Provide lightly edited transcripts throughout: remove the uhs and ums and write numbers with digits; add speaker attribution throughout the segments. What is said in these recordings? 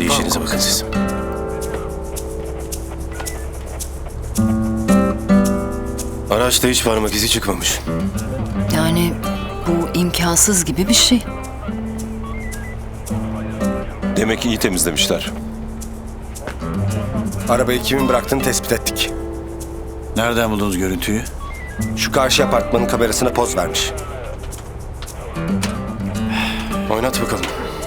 Speaker 1: Hadi işinize bakın siz. Araçta hiç parmak izi çıkmamış.
Speaker 2: Yani bu imkansız gibi bir şey.
Speaker 3: Demek ki iyi temizlemişler.
Speaker 4: Arabayı kimin bıraktığını tespit ettik.
Speaker 5: Nereden buldunuz görüntüyü?
Speaker 4: Şu karşı apartmanın kamerasına poz vermiş.
Speaker 1: Oynat bakalım.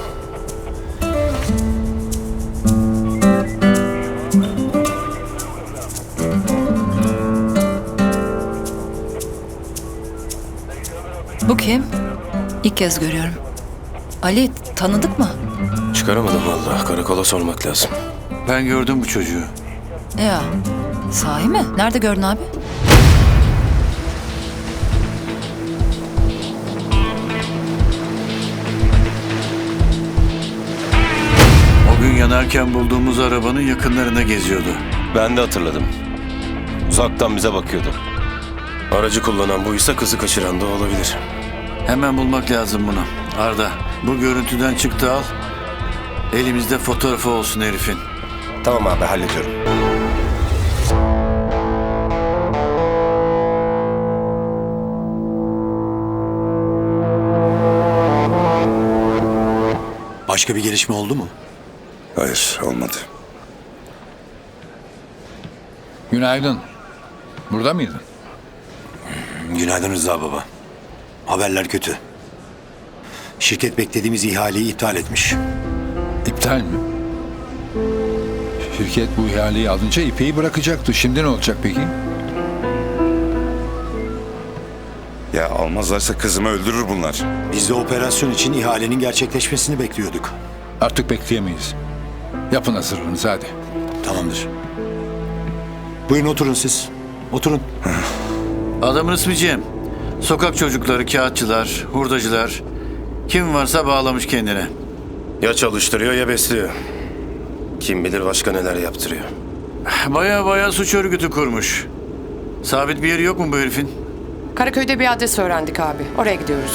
Speaker 2: Bu kim? İlk kez görüyorum. Ali, tanıdık mı?
Speaker 1: Çıkaramadım vallahi. Karakola sormak lazım.
Speaker 5: Ben gördüm bu çocuğu.
Speaker 2: Ya, sahi mi? Nerede gördün abi?
Speaker 5: O gün yanarken bulduğumuz arabanın yakınlarında geziyordu.
Speaker 3: Ben de hatırladım. Uzaktan bize bakıyordu.
Speaker 1: Aracı kullanan buysa kızı kaçıran da olabilir.
Speaker 5: Hemen bulmak lazım bunu. Arda, bu görüntüden çıktı al. Elimizde fotoğrafı olsun herifin.
Speaker 4: Tamam abi, hallediyorum.
Speaker 6: Başka bir gelişme oldu mu?
Speaker 3: Hayır, olmadı.
Speaker 7: Günaydın. Burada mıydın?
Speaker 6: Günaydın Rıza baba. Haberler kötü. Şirket beklediğimiz ihaleyi iptal etmiş.
Speaker 7: İptal mi? Şirket bu ihaleyi alınca İpek'i bırakacaktı. Şimdi ne olacak peki?
Speaker 3: Ya almazlarsa kızımı öldürür bunlar.
Speaker 6: Biz de operasyon için ihalenin gerçekleşmesini bekliyorduk.
Speaker 7: Artık bekleyemeyiz. Yapın hazırlığınızı hadi.
Speaker 6: Tamamdır. Buyurun oturun siz. Oturun.
Speaker 5: Adamın ismi Cem. Sokak çocukları, kağıtçılar, hurdacılar. Kim varsa bağlamış kendine.
Speaker 1: Ya çalıştırıyor ya besliyor. Kim bilir başka neler yaptırıyor.
Speaker 5: Baya suç örgütü kurmuş. Sabit bir yeri yok mu bu herifin?
Speaker 8: Karaköy'de bir adres öğrendik abi. Oraya gidiyoruz.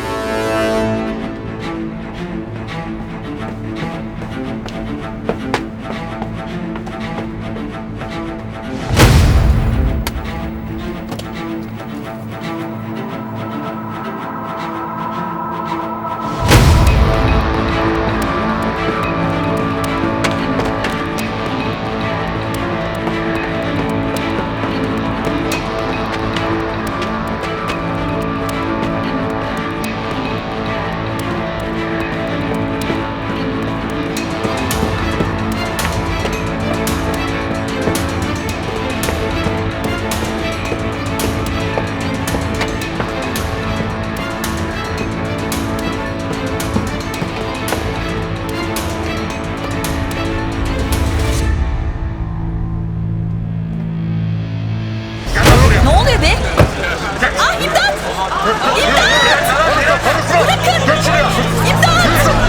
Speaker 2: Ne oluyor be? Ah, imdat! İmdat! Bırakın! İmdat!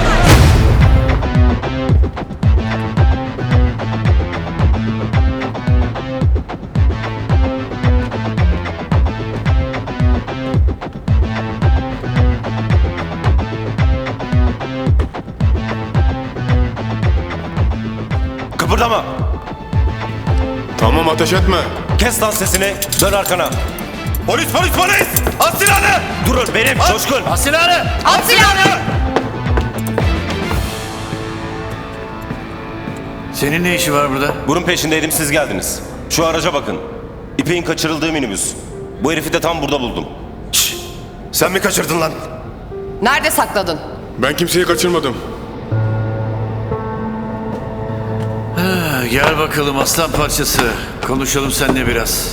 Speaker 3: Kıpırdama!
Speaker 1: Tamam, ateş etme.
Speaker 3: Kes lan sesini, dön arkana. Polis! At silahını! Durun benim, Coşkun!
Speaker 5: At silahını!
Speaker 3: At silahını!
Speaker 5: Senin ne işi var burada?
Speaker 3: Bunun peşindeydim, siz geldiniz. Şu araca bakın. İpek'in kaçırıldığı minibüs. Bu herifi de tam burada buldum.
Speaker 1: Sen mi kaçırdın lan?
Speaker 8: Nerede sakladın?
Speaker 1: Ben kimseyi kaçırmadım.
Speaker 5: Gel bakalım aslan parçası. Konuşalım seninle biraz.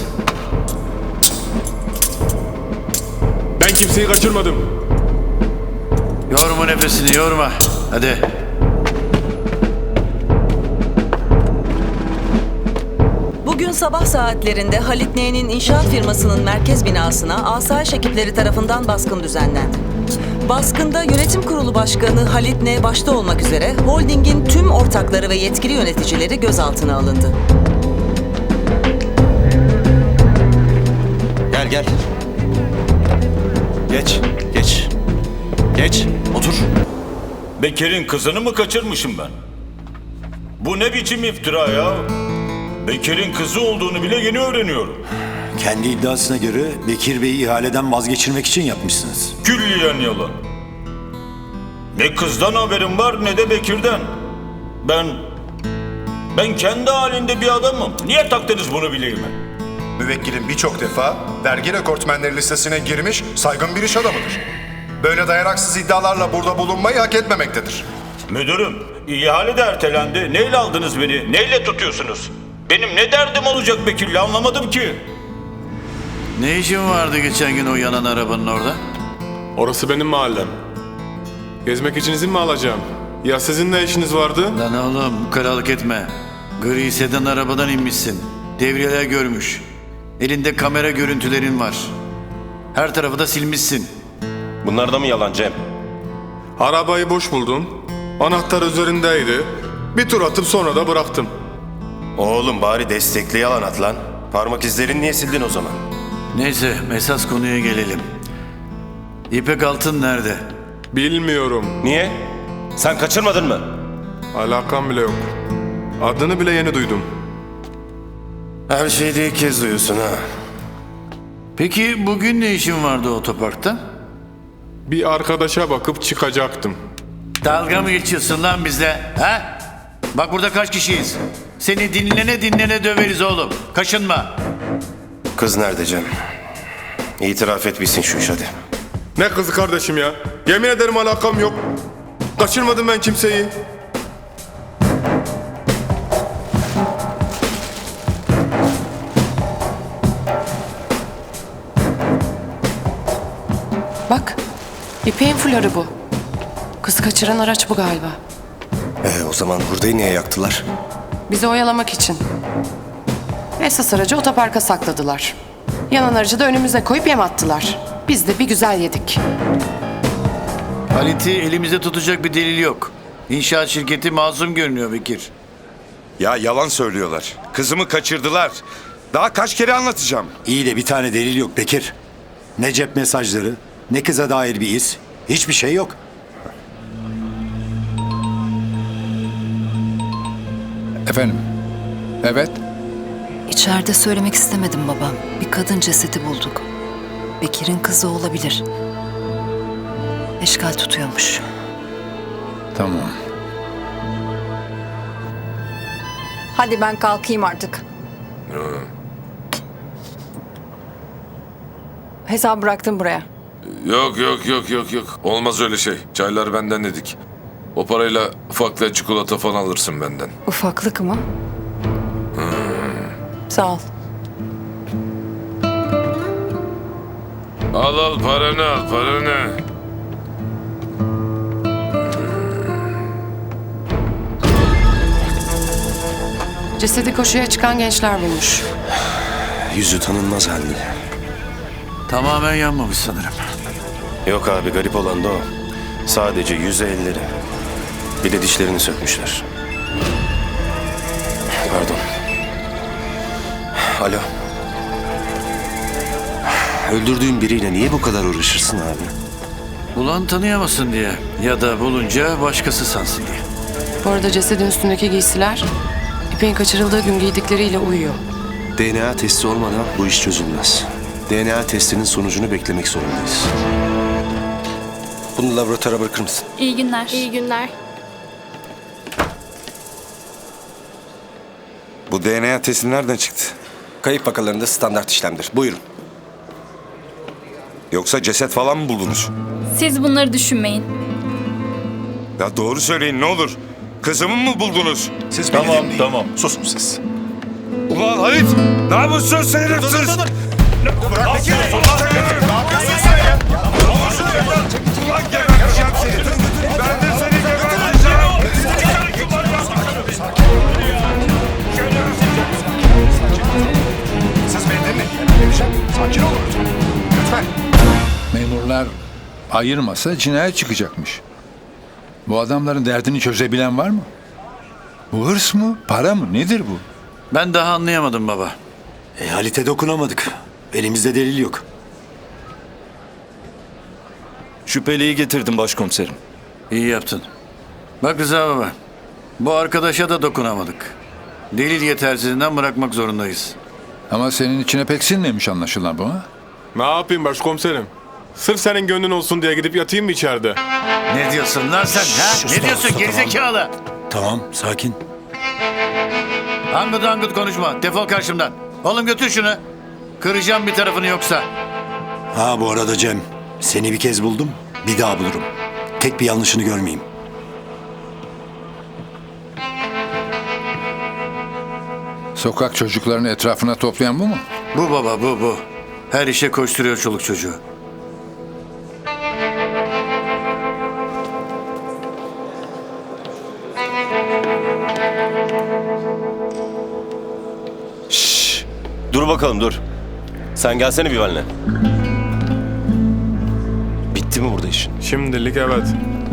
Speaker 1: Ben kimseyi kaçırmadım.
Speaker 5: Yorma nefesini, yorma. Hadi.
Speaker 9: Bugün sabah saatlerinde Halit N'nin inşaat firmasının merkez binasına asayiş ekipleri tarafından baskın düzenlendi. Baskında yönetim kurulu başkanı Halit N başta olmak üzere holdingin tüm ortakları ve yetkili yöneticileri gözaltına alındı.
Speaker 3: Gel. Geç. Otur.
Speaker 10: Bekir'in kızını mı kaçırmışım ben? Bu ne biçim iftira ya? Bekir'in kızı olduğunu bile yeni öğreniyorum.
Speaker 6: Kendi iddiasına göre Bekir Bey'i ihaleden vazgeçirmek için yapmışsınız.
Speaker 10: Külliyen yalan. Ne kızdan haberim var ne de Bekir'den. Ben kendi halinde bir adamım. Niye taktınız bunu bileğime?
Speaker 11: Müvekkilin birçok defa vergi rekortmenleri listesine girmiş saygın bir iş adamıdır. Böyle dayanaksız iddialarla burada bulunmayı hak etmemektedir.
Speaker 10: Müdürüm, ihale de ertelendi. Neyle aldınız beni? Neyle tutuyorsunuz? Benim ne derdim olacak Bekir'le anlamadım ki.
Speaker 5: Ne işin vardı geçen gün o yanan arabanın orada?
Speaker 12: Orası benim mahallem. Gezmek için izin mi alacağım? Ya sizin ne işiniz vardı?
Speaker 5: Lan oğlum ukalalık etme. Gri sedan arabadan inmişsin. Devriyeler görmüş. Elinde kamera görüntülerin var. Her tarafı da silmişsin.
Speaker 3: Bunlar da mı yalan Cem?
Speaker 12: Arabayı boş buldum. Anahtar üzerindeydi. Bir tur atıp sonra da bıraktım.
Speaker 1: Oğlum bari destekli yalan at lan. Parmak izlerini niye sildin o zaman?
Speaker 5: Neyse esas konuya gelelim. İpek Altın nerede?
Speaker 12: Bilmiyorum.
Speaker 3: Niye? Sen kaçırmadın mı?
Speaker 12: Alakam bile yok. Adını bile yeni duydum.
Speaker 1: Her şeyde ilk kez duyuyorsun ha.
Speaker 5: Peki bugün ne işin vardı otoparkta?
Speaker 12: Bir arkadaşa bakıp çıkacaktım.
Speaker 5: Dalga mı geçiyorsun lan bizle? Ha? Bak burada kaç kişiyiz? Seni dinlene döveriz oğlum. Kaşınma.
Speaker 1: Kız nerede Cem? İtiraf et bilsin şu iş hadi.
Speaker 12: Ne kızı kardeşim ya? Yemin ederim alakam yok. Kaçırmadım ben kimseyi.
Speaker 8: Bak, İpek'in fuları bu. Kızı kaçıran araç bu galiba.
Speaker 4: O zaman hurdayı niye yaktılar?
Speaker 8: Bizi oyalamak için. Esas aracı otoparka sakladılar. Yanan aracı da önümüze koyup yem attılar. Biz de bir güzel yedik.
Speaker 5: Halit'i elimizde tutacak bir delil yok. İnşaat şirketi masum görünüyor Bekir.
Speaker 13: Ya yalan söylüyorlar. Kızımı kaçırdılar. Daha kaç kere anlatacağım?
Speaker 6: İyi de bir tane delil yok Bekir. Ne cep mesajları, ne kıza dair bir iz. Hiçbir şey yok.
Speaker 7: Efendim? Evet.
Speaker 2: İçeride söylemek istemedim babam. Bir kadın cesedi bulduk. Bekir'in kızı olabilir. Eşkal tutuyormuş.
Speaker 7: Tamam.
Speaker 14: Hadi ben kalkayım artık. Hesabı bıraktım buraya.
Speaker 15: Yok. Olmaz öyle şey. Çaylar benden dedik. O parayla ufakla çikolata falan alırsın benden.
Speaker 14: Ufaklık mı? Sağ ol.
Speaker 15: Al paranı.
Speaker 8: Cesedi koşuya çıkan gençler bulmuş.
Speaker 1: Yüzü tanınmaz halde.
Speaker 5: Tamamen yanmamış sanırım.
Speaker 1: Yok abi garip olan da o. Sadece yüzü elleri. Bir de dişlerini sökmüşler. Pardon. Alo. Öldürdüğün biriyle niye bu kadar uğraşırsın abi?
Speaker 5: Bulan tanıyamasın diye. Ya da bulunca başkası sansın diye.
Speaker 8: Bu arada cesedin üstündeki giysiler İpek'in kaçırıldığı gün giydikleriyle uyuyor.
Speaker 1: DNA testi olmadan bu iş çözülmez. DNA testinin sonucunu beklemek zorundayız.
Speaker 4: Bunu laboratuvara bırakır mısın?
Speaker 14: İyi günler. İyi günler.
Speaker 13: Bu DNA testi nereden çıktı?
Speaker 4: Kayıp vakalarında standart işlemdir. Buyurun.
Speaker 13: Yoksa ceset falan mı buldunuz?
Speaker 14: Siz bunları düşünmeyin.
Speaker 13: Ya doğru söyleyin ne olur. Kızımı mı buldunuz?
Speaker 6: Siz
Speaker 10: Tamam.
Speaker 6: Susun siz.
Speaker 13: Ulan Halit! Ne yapıyorsun sen herifsiz? Bırak Bekir! Ne yapıyorsun sen ya? Ulan geberteceğim seni! Ben de seni geberteceğim!
Speaker 11: Siz beni dinleyin. Sakin olun. Lütfen.
Speaker 7: Memurlar ayırmasa cinayet çıkacakmış. Bu adamların derdini çözebilen var mı? Bu hırs mı? Para mı? Nedir bu?
Speaker 5: Ben daha anlayamadım baba.
Speaker 6: Halit'e dokunamadık. Elimizde delil yok.
Speaker 1: Şüpheliyi getirdim başkomiserim.
Speaker 5: İyi yaptın. Bak Rıza baba. Bu arkadaşa da dokunamadık. Delil yetersizliğinden bırakmak zorundayız.
Speaker 7: Ama senin içine pek sinmemiş anlaşılan bu ha?
Speaker 12: Ne yapayım başkomiserim? Sırf senin gönlün olsun diye gidip yatayım mı içeride?
Speaker 5: Ne diyorsun lan sen ha? Ne diyorsun gerizekalı?
Speaker 6: Tamam, sakin.
Speaker 5: Angut angut konuşma. Defol karşımdan. Oğlum götür şunu. Kıracağım bir tarafını yoksa.
Speaker 6: Ha bu arada Cem, seni bir kez buldum, bir daha bulurum. Tek bir yanlışını görmeyeyim.
Speaker 7: Sokak çocuklarını etrafına toplayan bu mu?
Speaker 5: Bu baba bu. Her işe koşturuyor çoluk çocuğu.
Speaker 3: Dur bakalım dur. Sen gelsene bir benimle. Bitti mi burada işin?
Speaker 12: Şimdilik evet.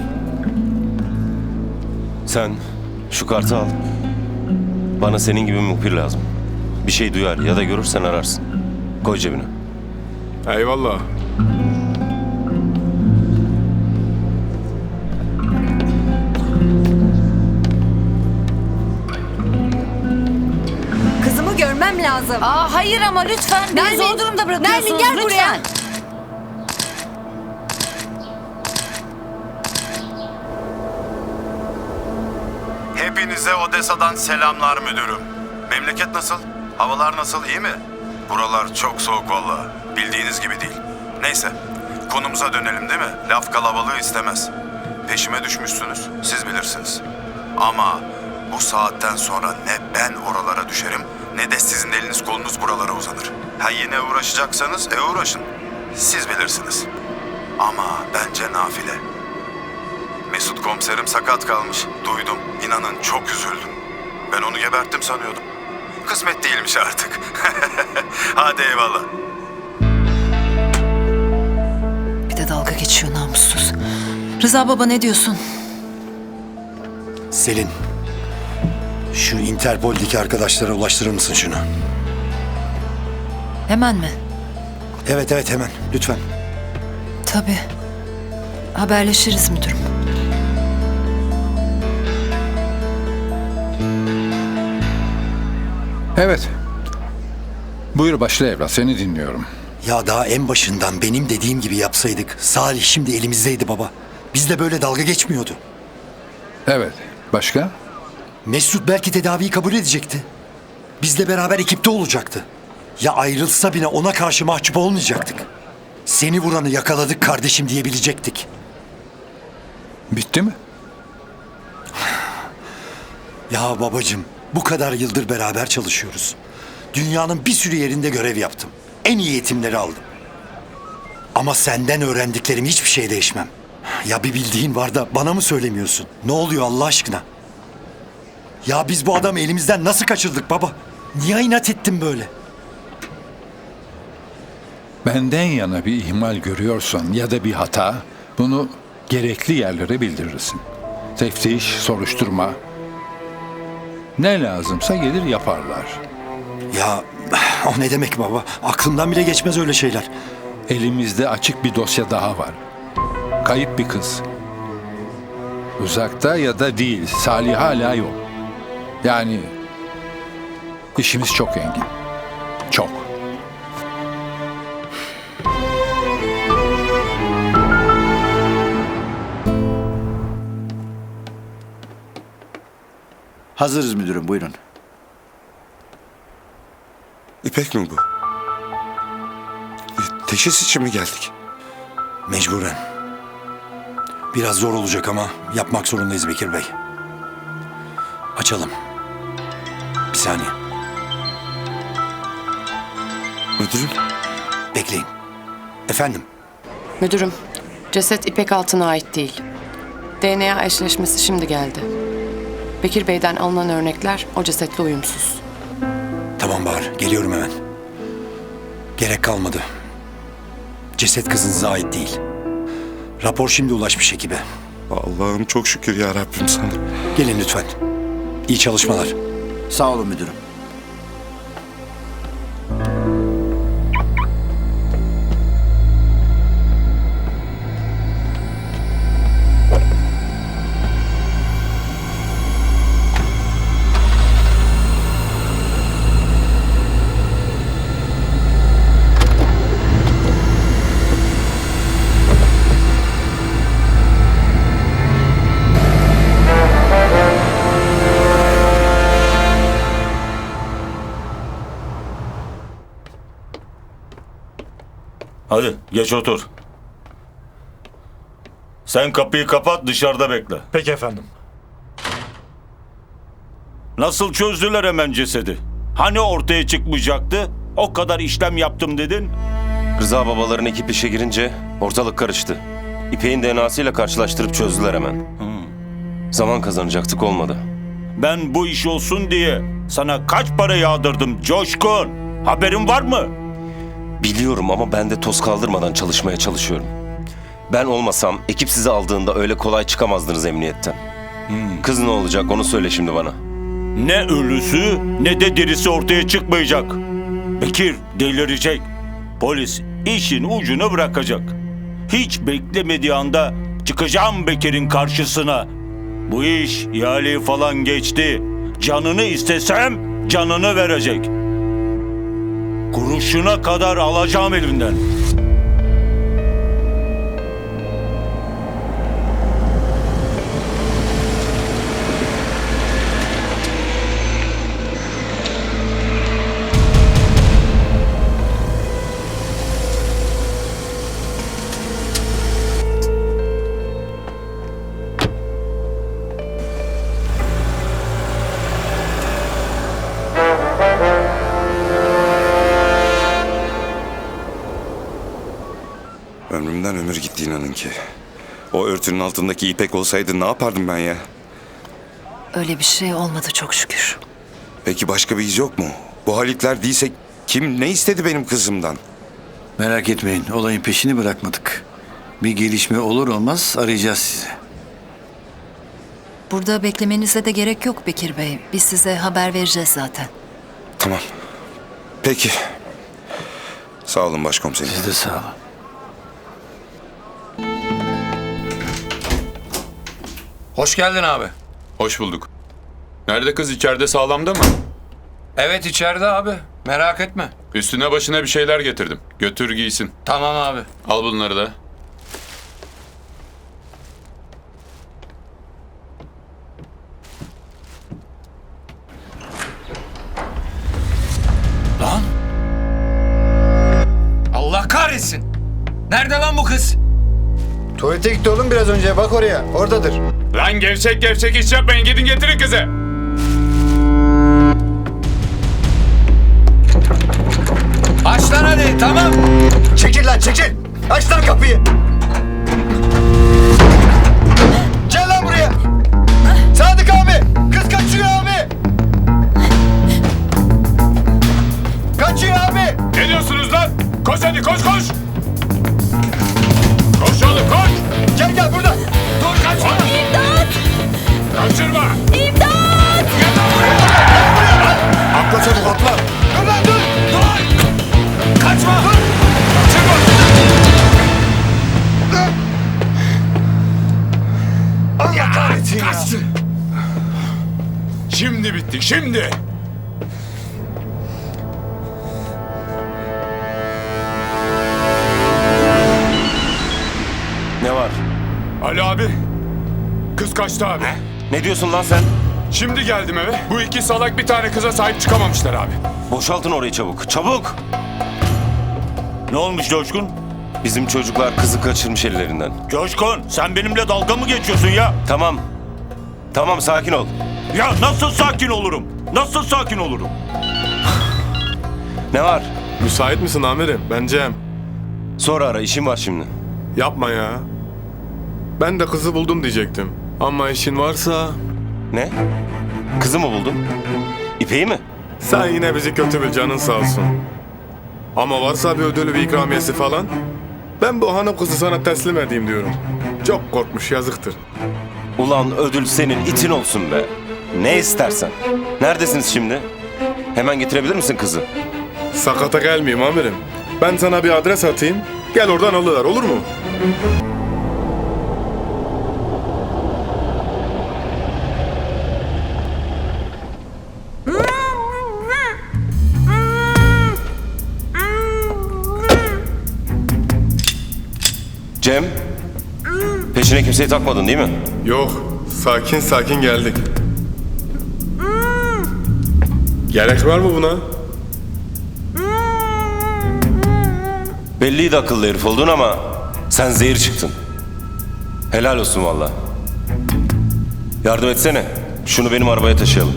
Speaker 3: Sen şu kartı al. Bana senin gibi muhbir lazım. Bir şey duyar ya da görürsen ararsın. Koy cebine.
Speaker 12: Eyvallah.
Speaker 16: Kızımı görmem lazım.
Speaker 17: Aa hayır ama lütfen. Beni zor durumda bırakıyorsunuz.
Speaker 16: Nermin gel
Speaker 17: lütfen.
Speaker 16: buraya.
Speaker 10: Hepinize Odessa'dan selamlar müdürüm. Memleket nasıl? Havalar nasıl? İyi mi? Buralar çok soğuk vallahi. Bildiğiniz gibi değil. Neyse. Konumuza dönelim değil mi? Laf kalabalığı istemez. Peşime düşmüşsünüz. Siz bilirsiniz. Ama bu saatten sonra ne ben oralara düşerim ne de sizin eliniz kolunuz buralara uzanır. Ha yine uğraşacaksanız uğraşın. Siz bilirsiniz. Ama bence nafile. Mesut komiserim sakat kalmış. Duydum. İnanın çok üzüldüm. Ben onu geberttim sanıyordum. Kısmet değilmiş artık. Hadi eyvallah.
Speaker 2: Bir de dalga geçiyor namussuz. Rıza baba ne diyorsun?
Speaker 6: Selin, şu Interpol'deki arkadaşlara ulaştırır mısın şunu?
Speaker 2: Hemen mi?
Speaker 6: Evet hemen, lütfen.
Speaker 2: Tabii. Haberleşiriz müdürüm.
Speaker 7: Evet. Buyur başla evlat, seni dinliyorum.
Speaker 6: Ya daha en başından benim dediğim gibi yapsaydık, Salih şimdi elimizdeydi baba. Bizle böyle dalga geçmiyordu.
Speaker 7: Evet. Başka?
Speaker 6: Mesut belki tedaviyi kabul edecekti. Bizle beraber ekipte olacaktı. Ya ayrılsa bile ona karşı mahcup olmayacaktık. Seni vuranı yakaladık kardeşim diyebilecektik.
Speaker 7: Bitti mi?
Speaker 6: Ya babacığım, bu kadar yıldır beraber çalışıyoruz. Dünyanın bir sürü yerinde görev yaptım. En iyi eğitimleri aldım. Ama senden öğrendiklerim hiçbir şey değişmem. Ya bir bildiğin var da bana mı söylemiyorsun? Ne oluyor Allah aşkına? Ya biz bu adamı elimizden nasıl kaçırdık baba? Niye inat ettin böyle?
Speaker 7: Benden yana bir ihmal görüyorsan ya da bir hata, bunu gerekli yerlere bildirirsin. Teftiş, soruşturma. Ne lazımsa gelir yaparlar.
Speaker 6: Ya o ne demek baba? Aklımdan bile geçmez öyle şeyler.
Speaker 7: Elimizde açık bir dosya daha var. Kayıp bir kız. Uzakta ya da değil, Salih hala yok. Yani işimiz çok engin. Çok.
Speaker 6: Hazırız müdürüm, buyurun.
Speaker 13: İpek mi bu? Teşhis için mi geldik?
Speaker 6: Mecburen. Biraz zor olacak ama yapmak zorundayız Bekir Bey. Açalım. Bir saniye.
Speaker 13: Müdürüm.
Speaker 6: Bekleyin. Efendim?
Speaker 8: Müdürüm, ceset İpek Altın'a ait değil. DNA eşleşmesi şimdi geldi. Bekir Bey'den alınan örnekler o cesetle uyumsuz.
Speaker 6: Tamam Bahar, geliyorum hemen. Gerek kalmadı. Ceset kızınıza ait değil. Rapor şimdi ulaşmış ekibe.
Speaker 13: Allah'ım çok şükür ya Rabbim sana.
Speaker 6: Gelin lütfen. İyi çalışmalar. Sağ olun müdürüm.
Speaker 16: Hadi geç otur. Sen kapıyı kapat, dışarıda bekle.
Speaker 13: Peki efendim.
Speaker 16: Nasıl çözdüler hemen cesedi? Hani ortaya çıkmayacaktı? O kadar işlem yaptım dedin.
Speaker 3: Rıza babaların ekip işe girince ortalık karıştı. İpek'in DNA'sıyla karşılaştırıp çözdüler hemen. Zaman kazanacaktık, olmadı.
Speaker 16: Ben bu iş olsun diye sana kaç para yağdırdım Coşkun? Haberin var mı?
Speaker 3: Biliyorum ama ben de toz kaldırmadan çalışmaya çalışıyorum. Ben olmasam ekip sizi aldığında öyle kolay çıkamazdınız emniyetten. Kız ne olacak onu söyle şimdi bana.
Speaker 16: Ne ölüsü ne de dirisi ortaya çıkmayacak. Bekir delirecek. Polis işin ucunu bırakacak. Hiç beklemediği anda çıkacağım Bekir'in karşısına. Bu iş ihaleyi falan geçti. Canını istesem canını verecek. Kuruşuna kadar alacağım elinden.
Speaker 10: Ömrümden ömür gitti inanın ki. O örtünün altındaki İpek olsaydı ne yapardım ben ya?
Speaker 2: Öyle bir şey olmadı çok şükür.
Speaker 10: Peki başka bir iz yok mu? Bu Halitler değilse kim ne istedi benim kızımdan?
Speaker 5: Merak etmeyin, olayın peşini bırakmadık. Bir gelişme olur olmaz arayacağız sizi.
Speaker 2: Burada beklemenize de gerek yok Bekir Bey. Biz size haber vereceğiz zaten.
Speaker 10: Tamam. Peki. Sağ olun başkomiserim.
Speaker 5: Siz de sağ olun.
Speaker 18: Hoş geldin abi.
Speaker 19: Hoş bulduk. Nerede kız, içeride sağlamda mı?
Speaker 18: Evet içeride abi. Merak etme.
Speaker 19: Üstüne başına bir şeyler getirdim. Götür giysin.
Speaker 18: Tamam abi.
Speaker 19: Al bunları da.
Speaker 18: Lan! Allah kahretsin! Nerede lan bu kız?
Speaker 11: Tuvalete gitti oğlum biraz önce. Bak oraya. Oradadır.
Speaker 19: Lan gevşek gevşek iş yapmayın. Gidin getirin kızı.
Speaker 18: Aç lan hadi tamam.
Speaker 11: Çekil lan çekil. Aç lan kapıyı. Gel lan buraya. Sadık abi. Kız kaçıyor abi. Kaçıyor abi.
Speaker 19: Ne diyorsunuz lan? Koş hadi koş koş. Koş oğlum koş.
Speaker 11: Gel gel burada.
Speaker 19: Dur kaçma.
Speaker 17: İmdat!
Speaker 19: Kaçırma.
Speaker 17: İmdat!
Speaker 19: Gel lan buraya.
Speaker 11: Atla çabuk atla. Dur lan dur.
Speaker 19: Dur. Kaçma. Dur. Kaçırma.
Speaker 11: Allah kahretsin ya.
Speaker 19: Kaçtı. Şimdi bittik şimdi.
Speaker 3: Ne var?
Speaker 19: Ali abi. Kız kaçtı abi.
Speaker 3: Ne diyorsun lan sen?
Speaker 19: Şimdi geldim eve. Bu iki salak bir tane kıza sahip çıkamamışlar abi.
Speaker 3: Boşaltın orayı çabuk. Çabuk!
Speaker 16: Ne olmuş Coşkun?
Speaker 3: Bizim çocuklar kızı kaçırmış ellerinden.
Speaker 16: Coşkun sen benimle dalga mı geçiyorsun ya?
Speaker 3: Tamam. Tamam sakin ol.
Speaker 16: Ya nasıl sakin olurum? Nasıl sakin olurum?
Speaker 3: Ne var?
Speaker 12: Müsait misin amirim? Ben Cem.
Speaker 3: Sonra ara, işim var şimdi.
Speaker 12: Yapma ya. Ben de kızı buldum diyecektim. Ama işin varsa...
Speaker 3: Ne? Kızı mı buldun? İpek'i mi?
Speaker 12: Sen yine bizi kötü bil, canın sağ olsun. Ama varsa bir ödülü, bir ikramiyesi falan... Ben bu hanım kızı sana teslim edeyim diyorum. Çok korkmuş, yazıktır.
Speaker 3: Ulan ödül senin itin olsun be. Ne istersen. Neredesiniz şimdi? Hemen getirebilir misin kızı?
Speaker 12: Sakata gelmeyeyim amirim. Ben sana bir adres atayım. Gel oradan alıver, olur mu?
Speaker 3: Cem, peşine kimseyi takmadın değil mi?
Speaker 12: Yok, sakin sakin geldik. Gerek var mı buna?
Speaker 3: Belliydi akıllı herif olduğun ama sen zehir çıktın. Helal olsun valla. Yardım etsene. Şunu benim arabaya taşıyalım.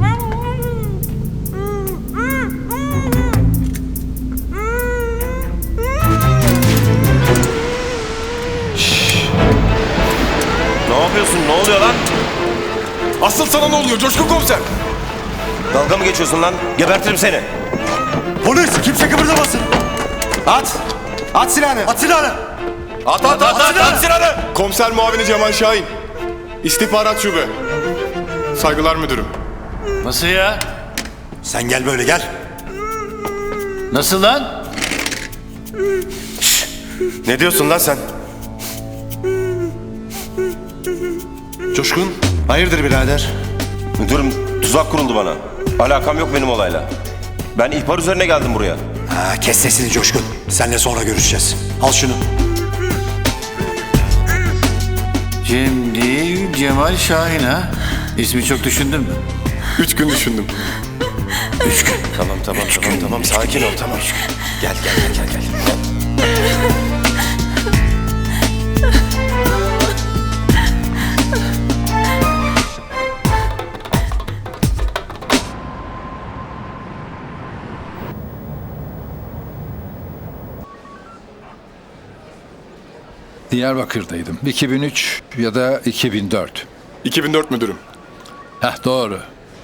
Speaker 3: Şşş. Ne yapıyorsun? Ne oluyor lan?
Speaker 19: Asıl sana ne oluyor Coşkun Komiser?
Speaker 3: Dalga mı geçiyorsun lan? Gebertirim seni.
Speaker 6: Polis kimse kıpırdamasın.
Speaker 4: At! At silahını!
Speaker 6: At silahını.
Speaker 19: At silahını! Komiser muavini Cemal Şahin. İstihbarat şube. Saygılar müdürüm.
Speaker 5: Nasıl ya?
Speaker 6: Sen gel böyle gel.
Speaker 5: Nasıl lan?
Speaker 1: Ne diyorsun lan sen?
Speaker 4: Coşkun, hayırdır birader?
Speaker 3: Müdürüm tuzak kuruldu bana. Alakam yok benim olayla. Ben ihbar üzerine geldim buraya.
Speaker 6: Ha, kes sesini Coşkun. Seninle sonra görüşeceğiz. Al şunu.
Speaker 5: Cem değil, Cemal Şahin ha? İsmi çok düşündün mü?
Speaker 19: 3 gün düşündüm.
Speaker 1: Tamam sakin ol tamam. Gel.
Speaker 7: Diyarbakır'daydım. 2003 ya da 2004.
Speaker 19: 2004 müdürüm.
Speaker 7: Heh doğru.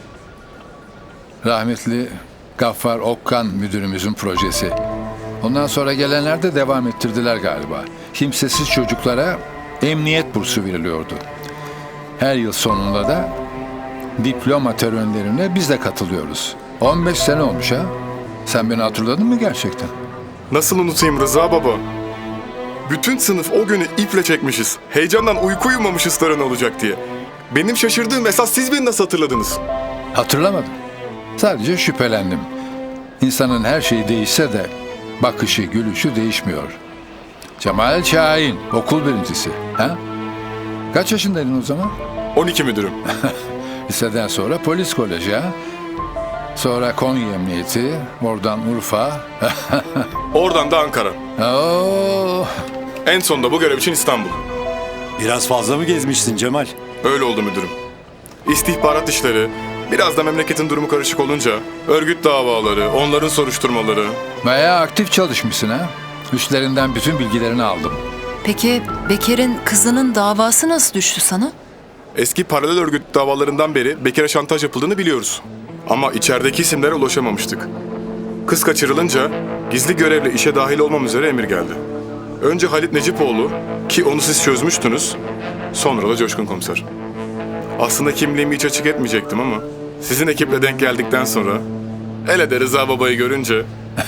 Speaker 7: Rahmetli Gaffar Okkan müdürümüzün projesi. Ondan sonra gelenler de devam ettirdiler galiba. Kimsesiz çocuklara emniyet bursu veriliyordu. Her yıl sonunda da diploma törenlerine biz de katılıyoruz. 15 sene olmuş ha. Sen beni hatırladın mı gerçekten?
Speaker 19: Nasıl unutayım Rıza baba? Bütün sınıf o günü iple çekmişiz. Heyecandan uyku uyumamışız tören olacak diye. Benim şaşırdığım esas siz beni nasıl hatırladınız?
Speaker 7: Hatırlamadım. Sadece şüphelendim. İnsanın her şeyi değişse de bakışı, gülüşü değişmiyor. Cemal Şahin, okul birincisi. Ha? Kaç yaşındaydın o zaman?
Speaker 19: 12 müdürüm.
Speaker 7: Liseden sonra polis koleji ha? Sonra Konya Emniyeti, oradan Urfa.
Speaker 19: Oradan da Ankara.
Speaker 7: Oo.
Speaker 19: En sonunda bu görev için İstanbul.
Speaker 6: Biraz fazla mı gezmişsin Cemal?
Speaker 19: Öyle oldu müdürüm. İstihbarat işleri, biraz da memleketin durumu karışık olunca örgüt davaları, onların soruşturmaları.
Speaker 7: Bayağı aktif çalışmışsın ha? Üstlerinden bütün bilgilerini aldım.
Speaker 2: Peki Bekir'in kızının davası nasıl düştü sana?
Speaker 19: Eski paralel örgüt davalarından beri Bekir'e şantaj yapıldığını biliyoruz. Ama içerideki isimlere ulaşamamıştık. Kız kaçırılınca gizli görevle işe dahil olmam üzere emir geldi. Önce Halit Necipoğlu ki onu siz çözmüştünüz. Sonra da Coşkun Komiser. Aslında kimliğimi hiç açık etmeyecektim ama sizin ekiple denk geldikten sonra hele de Rıza babayı görünce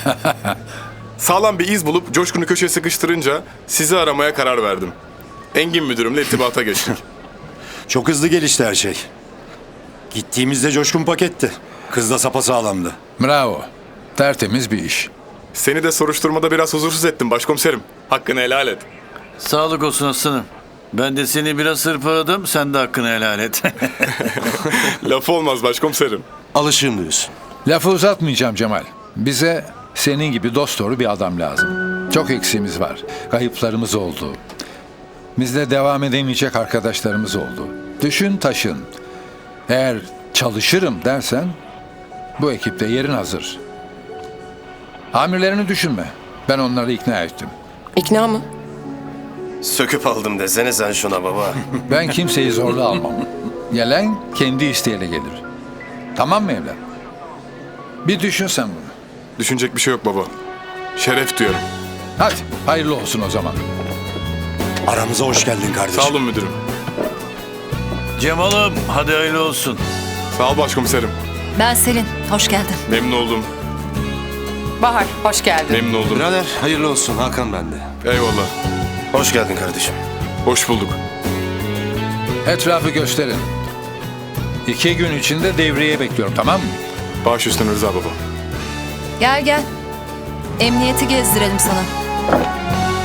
Speaker 19: sağlam bir iz bulup Coşkun'u köşeye sıkıştırınca sizi aramaya karar verdim. Engin müdürümle irtibata geçtik.
Speaker 6: Çok hızlı gelişti her şey. Gittiğimizde Coşkun paketti. Kız da sapasağlamdı.
Speaker 7: Bravo. Tertemiz bir iş.
Speaker 19: Seni de soruşturmada biraz huzursuz ettim başkomiserim. Hakkını helal et.
Speaker 5: Sağlık olsun aslanım. Ben de seni biraz hırpaladım, sen de hakkını helal et.
Speaker 19: Lafı olmaz başkomiserim.
Speaker 4: Alışığım diyorsun.
Speaker 7: Lafı uzatmayacağım Cemal. Bize senin gibi dosdoğru bir adam lazım. Çok eksiğimiz var. Kayıplarımız oldu. Bizde devam edemeyecek arkadaşlarımız oldu. Düşün taşın. Eğer çalışırım dersen bu ekipte yerin hazır. Amirlerini düşünme. Ben onları ikna ettim.
Speaker 8: İkna mı?
Speaker 1: Söküp aldım desene sen şuna baba.
Speaker 7: Ben kimseyi zorla almam. Gelen kendi isteğiyle gelir. Tamam mı evlat? Bir düşün sen bunu.
Speaker 19: Düşünecek bir şey yok baba. Şeref duyarım.
Speaker 7: Hadi hayırlı olsun o zaman.
Speaker 6: Aramıza hoş geldin kardeşim.
Speaker 19: Sağ olun müdürüm.
Speaker 5: Cemal'ım, hadi hayırlı olsun.
Speaker 19: Sağ ol başkomiserim.
Speaker 2: Ben Selin, hoş geldin.
Speaker 19: Memnun oldum.
Speaker 8: Bahar, hoş geldin.
Speaker 19: Memnun oldum.
Speaker 4: Birader hayırlı olsun Hakan bende.
Speaker 19: Eyvallah.
Speaker 1: Hoş geldin kardeşim.
Speaker 19: Hoş bulduk.
Speaker 7: Etrafı gösterin. 2 gün içinde devreye bekliyorum, tamam mı?
Speaker 19: Baş üstüne Rıza baba.
Speaker 2: Gel. Emniyeti gezdirelim sana.